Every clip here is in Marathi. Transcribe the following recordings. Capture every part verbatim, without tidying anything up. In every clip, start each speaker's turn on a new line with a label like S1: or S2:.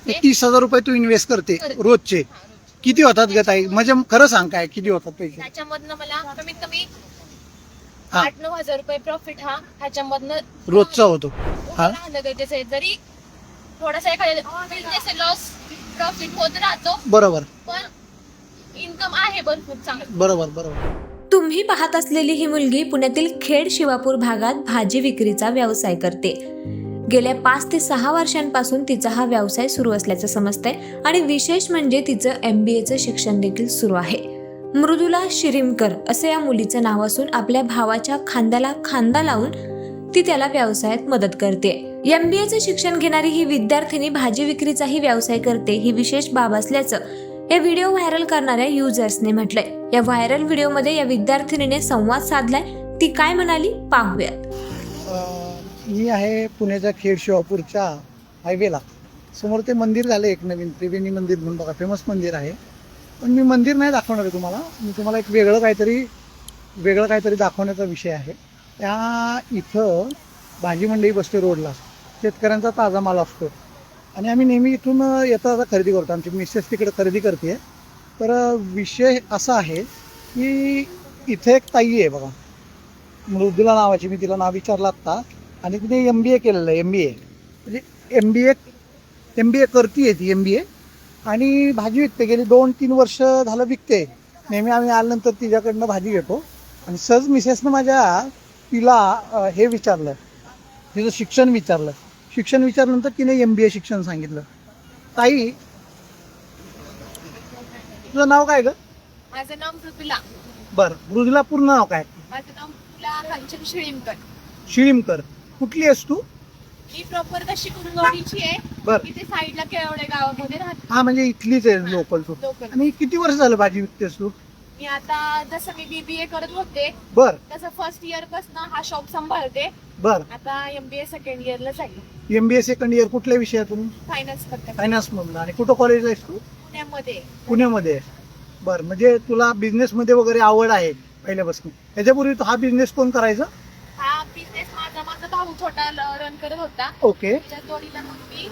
S1: करते.
S2: तीस हजार रुपये तू इन्व्हेस्ट करते
S1: करते.
S2: रोजचे. किती होतात ग ताई? म्हणजे खरं सांग काय किती होतात पैसे?
S1: त्याच्यामधनं मला कमीत कमी
S2: हा.
S1: आठ नऊ हजार रुपये प्रॉफिट हा ह्याच्यामधनं
S2: रोजचा होतो. हा
S1: राहणं गरजेचं आहे. जरी थोडासा एखाद्या बिझनेस लॉस प्रॉफिट होत राहतो,
S2: बरोबर
S1: पण इन्कम आहे भरपूर चांगलं.
S2: बरोबर बरोबर.
S3: तुम्ही पाहत असलेली ही मुलगी पुण्यातील खेड शिवापूर भागात भाजी विक्रीचा व्यवसाय करते. गेल्या पाच ते सहा वर्षांपासून तिचा हा व्यवसाय सुरू असल्याचं समजतंय आणि विशेष म्हणजे तिचं एम बी एचं शिक्षण देखील सुरू आहे. मृदुला शिरीमकर असं या मुलीचं नाव असून आपल्या भावाच्या खांद्याला खांदा लावून ती त्याला व्यवसायात मदत करते. एम बी एचं शिक्षण घेणारी ही विद्यार्थिनी भाजी विक्रीचाही व्यवसाय करते. ही विशेष बाब असल्याचं या व्हिडिओ व्हायरल करणाऱ्या युजर्सने म्हटलंय. या व्हायरल व्हिडिओमध्ये या विद्यार्थिनीने संवाद साधलाय. ती काय म्हणाली पाहूयात.
S2: मी आहे पुण्याच्या खेड शिवापूरच्या हायवेला. समोर ते मंदिर झालं एक नवीन त्रिवेणी मंदिर म्हणून, बघा फेमस मंदिर आहे. पण मी मंदिर नाही दाखवणार आहे तुम्हाला. मी तुम्हाला एक वेगळं काहीतरी वेगळं काहीतरी दाखवण्याचा विषय आहे. त्या इथं भाजी मंडई बसते रोडला. शेतकऱ्यांचा ताजा माल असतो आणि आम्ही नेहमी इथून येता जाता खरेदी करतो. आमची मिसेस तिकडे खरेदी करते. तर विषय असा आहे की इथे एक ताई आहे बघा, मृदुला नावाची. मी तिला नाव विचारलं आत्ता. आणि तिने एम बी ए केलेलं आहे. एम बी ए म्हणजे M B A M B ए करते आहे ती एम बी ए. आणि भाजी विकते. गेली दोन तीन वर्ष झालं विकते. नेहमी आम्ही आल्यानंतर तिच्याकडनं भाजी घेतो. आणि सहज मिसेसनं माझ्या तिला हे विचारलं, तिचं शिक्षण विचारलं. शिक्षण विचारल्यानंतर तिने एम बी ए शिक्षण सांगितलं. ताई तुझं नाव काय ग?
S1: माझं नाव मृदुला.
S2: बरं, मृदुला पूर्ण नाव काय?
S1: माझं नाव मृदुला कांचन शिळीमकर.
S2: शिळीमकर. कुठली आहेस तू?
S1: मी प्रॉपर तशी कुंदवाडीची आहे.
S2: बरं.
S1: इथे साईडला केवढे गावामध्ये राहते.
S2: हा म्हणजे इथलीच आहे लोकल तू.
S1: लोकल.
S2: आणि किती वर्ष झालं भाजी विकतेस तू?
S1: मी आता जसं मी बीबीए करत होते
S2: बर
S1: तसं फर्स्ट इयर पासून हा शॉप सांभाळते.
S2: बर.
S1: आता एमबीए सेकंड इयरला जाईल.
S2: M B A second year कुठल्या विषयातून?
S1: फायनान्स करते
S2: फायनान्स मधून. आणि कुठं कॉलेज आहेस तू?
S1: पुण्यामध्ये.
S2: पुण्यामध्ये आहे. बरं, म्हणजे तुला बिझनेस मध्ये वगैरे आवड आहे पहिल्यापासून. याच्यापूर्वी तो हा बिझनेस कोण करायचा?
S1: हा बिझनेस माझा माझा भाऊ छोटा रन करत होता.
S2: ओके.
S1: त्याच्या जोडीला मग मी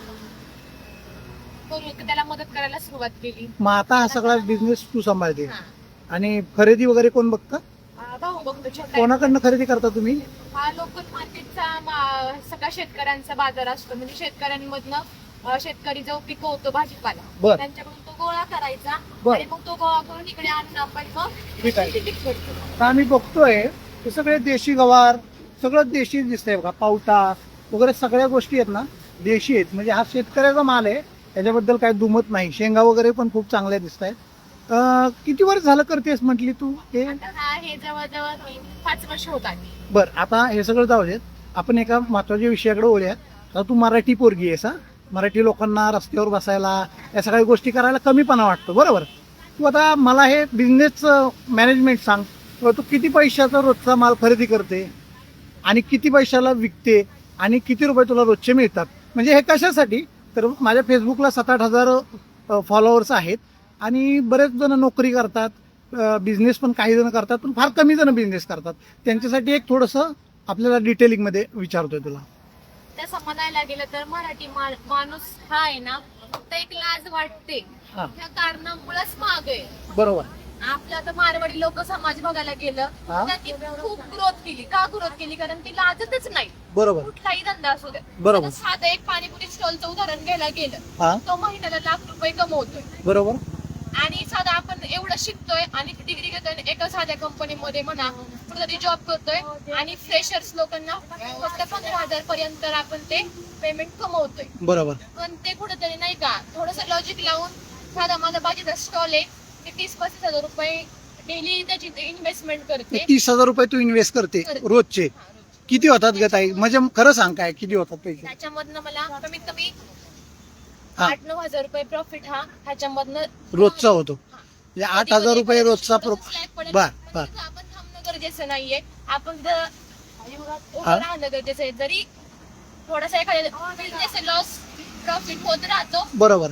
S1: करू- त्याला मदत करायला सुरुवात केली.
S2: मग आता हा सगळा बिझनेस तू सांभाळते.
S1: हा.
S2: आणि खरेदी वगैरे कोण बघतं?
S1: हा, भाऊ बघतो छोटा.
S2: कोणाकडनं खरेदी करता तुम्ही?
S1: हा लोकल मार्केटचा मा- सगळा शेतकऱ्यांचा बाजार असतो. म्हणजे शेतकऱ्यांमधनं अं, शेतकरी जो पिकवतो भाजीपाला
S2: बर.
S1: त्यांच्याकडून तो गोळा करायचा
S2: बर.
S1: आणि मग तो गोळा करून इकडे आणून आपण मग
S2: ठीक आहे.
S1: विक्री करतो.
S2: आता आम्ही बघतोय हे सगळे देशी गवार, सगळं देशी दिसतंय बघा. पावटा वगैरे सगळ्या गोष्टी आहेत ना देशी आहेत. म्हणजे हा शेतकऱ्याचा माल आहे, त्याच्याबद्दल काही दुमत नाही. शेंगा वगैरे पण खूप चांगल्या दिसत आहेत. किती वर्ष झालं करतेस म्हटली तू हे?
S1: आता हा हे जवळजवळ मी पाच वर्ष होत आली.
S2: बर, आता हे सगळं जाऊ देत. आपण एका महत्वाच्या विषयाकडे बोलूयात. आता तू मराठी पोरगी आहेस. हा, मराठी लोकांना रस्त्यावर बसायला या सगळ्या गोष्टी करायला कमीपणा वाटतो, बरोबर. तू आता मला हे बिझनेसचं मॅनेजमेंट सांग. किंवा तू किती पैशाचा रोजचा माल खरेदी करते आणि किती पैशाला विकते आणि किती रुपये तुला रोजचे मिळतात. म्हणजे हे कशासाठी? तर माझ्या फेसबुकला सात आठ हजार फॉलोअर्स आहेत आणि बरेच जण नोकरी करतात, बिझनेस पण काही जण करतात, पण फार कमी जण बिझनेस करतात. त्यांच्यासाठी एक थोडंसं आपल्याला डिटेलिंगमध्ये विचारतोय तुला.
S1: तसं म्हणायला गेलं तर मराठी मा- माणूस हा आहे ना फक्त एक लाज वाटते
S2: हा.
S1: ह्या कारणामुळेच माग आहे.
S2: बरोबर.
S1: आपलं आता मारवाडी लोक समाज बघायला गेलं
S2: हा.
S1: त्यांनी खूप ग्रोथ केली. का ग्रोथ केली? कारण ती लाजतच नाही.
S2: बरोबर.
S1: कुठलाही धंदा असू दे.
S2: बरोबर.
S1: आता साधं एक पाणीपुरी स्टॉलचं उदाहरण घ्यायला गेलं,
S2: हा,
S1: तो महिन्याला लाख रुपये कमवतोय.
S2: बरोबर.
S1: आणि साधा आपण एवढं शिकतोय आणि डिग्री घेतोय एका साध्या कंपनीमध्ये म्हणा कुठेतरी जॉब करतोय आणि फ्रेशर्स लोकांना फक्त पंधरा हजार पर्यंत आपण ते पेमेंट कमवतोय.
S2: बरोबर.
S1: पण ते कुठेतरी नाही का थोडस लॉजिक लावून साधा माझा भाजीचा स्टॉल आहे, मी तीस पस्तीस हजार रुपये डेली त्याची इन्व्हेस्टमेंट करते.
S2: तीस हजार रुपये तू इन्व्हेस्ट करते
S1: करते.
S2: रोजचे.
S1: हा, रोज.
S2: किती होतात ग ताई? म्हणजे खरं सांग काय किती होतात पैसे?
S1: त्याच्यामधनं मला कमीत कमी
S2: हा.
S1: आठ नऊ हजार रुपये प्रॉफिट हा ह्याच्यामधनं
S2: रोजचा होतो. म्हणजे आठ हजार रुपये रोजचा प्रो बर बर.
S1: आपण थांबणं गरजेचं नाहीये. आपण जर उभं
S2: हा.
S1: राहणं गरजेचं आहे. जरी थोडासा एखाद्या बिझनेस लॉस प्रॉफिट होत राहतो,
S2: बरोबर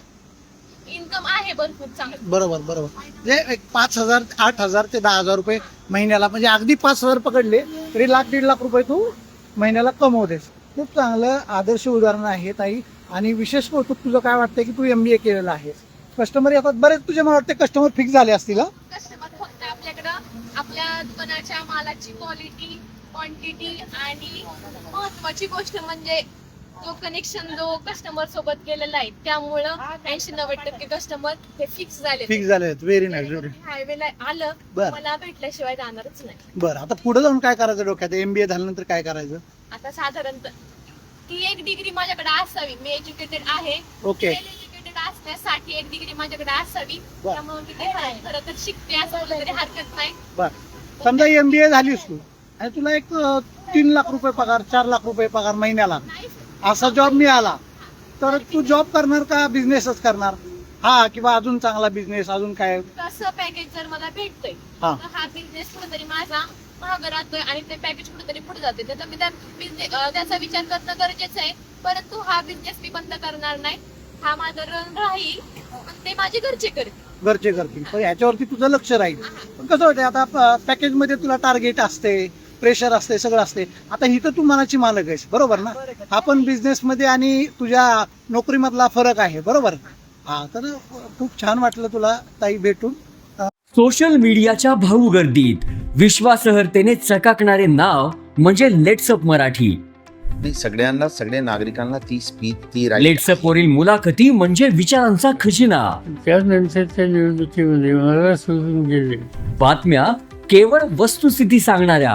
S1: पण इन्कम आहे भरपूर चांगलं.
S2: बरोबर बरोबर. म्हणजे एक पाच हजार आठ हजार ते दहा हजार रुपये महिन्याला, म्हणजे अगदी पाच हजार पकडले तरी लाख दीड लाख रुपये तू महिन्याला कमवतेस. खूप चांगलं आदर्श उदाहरण आहे ताई. आणि विशेष कौतुक तुझं काय वाटतंय की तू एम बी ए केलेलं आहे. कस्टमर येतात बरेच, तुझे मला वाटते कस्टमर फिक्स झाले असतील हं?
S1: कस्टमर फक्त आपल्याकडं आपल्या दुकानाच्या मालाची क्वालिटी, क्वांटिटी आणि महत्वाची गोष्ट म्हणजे जो कनेक्शन जो कस्टमर सोबत केलेला आहे त्यामुळं ऐंशी नव्वद टक्के कस्टमर हे फिक्स झाले.
S2: फिक्स झाले आहेत. Very nice, very.
S1: हायवेला आलं
S2: बरं.
S1: मला भेटल्याशिवाय जाणारच नाही.
S2: बरं, आता पुढे जाऊन काय करायचं डोक्यात? एमबीए झाल्यानंतर काय करायचं?
S1: आता साधारणतः ती एक डिग्री माझ्याकडे असावी. मी एज्युकेटेड आहे.
S2: ओके.
S1: एज्युकेटेड असण्यासाठी एक डिग्री माझ्याकडे असावी.
S2: बरं.
S1: त्यामुळे मी ते खरं तर शिकते असं बोललं तरी हरकत नाही.
S2: बर, समजा एमबीए झालीस तू आणि तुला एक अं, तीन लाख रुपये पगार, चार लाख रुपये पगार महिन्याला
S1: नाही
S2: असा जॉब मिळाला तर तू जॉब करणार का बिझनेसच करणार? हा, किंवा अजून चांगला बिझनेस, अजून काय?
S1: तसं पॅकेज जर मला भेटतंय
S2: हा.
S1: तर हा बिझनेस कुठेतरी माझा महाग राहतोय आणि ते पॅकेज कुठेतरी पुढे जाते. तर मी त्या business- अं, त्याचा विचार करणं गरजेचं आहे. परंतु हा बिझनेस मी बंद करणार नाही. हा माझा रन राहील आणि ते माझे घरचे करतील.
S2: घरचे करतील, पण ह्याच्यावरती तुझं लक्ष राहील. पण कसं होतं, आता पॅकेज मध्ये तुला टार्गेट असते, प्रेशर असते, सगळं असते. आता इथं तू मनाची मालक आहेस, बरोबर ना? आपण बिझनेस मध्ये आणि तुझ्या नोकरीमधला फरक आहे, बरोबर? हा, तर खूप छान वाटलं तुला ताई भेटून.
S4: सोशल मीडियाच्या भाऊ गर्दीत विश्वासार्हतेने चकाकणारे नाव म्हणजे लेट्सअप मराठी.
S5: नाही, सगळ्यांना, सगळ्या नागरिकांना ती स्पीच, ती right
S4: लेट्सअप वरील मुलाखती म्हणजे विचारांचा खजिना.
S6: त्यानंतरच्या निवडणुकीमध्ये मला सोडून गेले.
S4: बातम्या केवळ वस्तुस्थिती सांगणाऱ्या,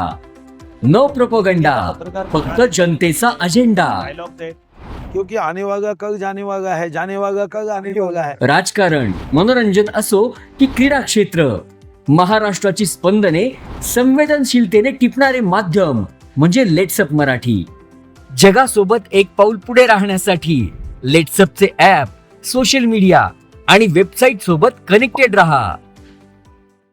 S4: न प्रोपोगंडा, फक्त जनतेचा अजेंडा.
S7: डायलॉग थे क्योंकि आने वाला कल जाने वाला है, जाने वाला कल आने वाला है.
S4: राजकारण, मनोरंजन असो की क्रीडा क्षेत्र, महाराष्ट्राची स्पंदने संवेदनशीलतेने टिपणारे माध्यम म्हणजे लेट्सअप मराठी. जगासोबत एक पाऊल पुढे राहण्यासाठी लेट्सअपचे ॲप, सोशल मीडिया आणि वेबसाईट सोबत कनेक्टेड रहा.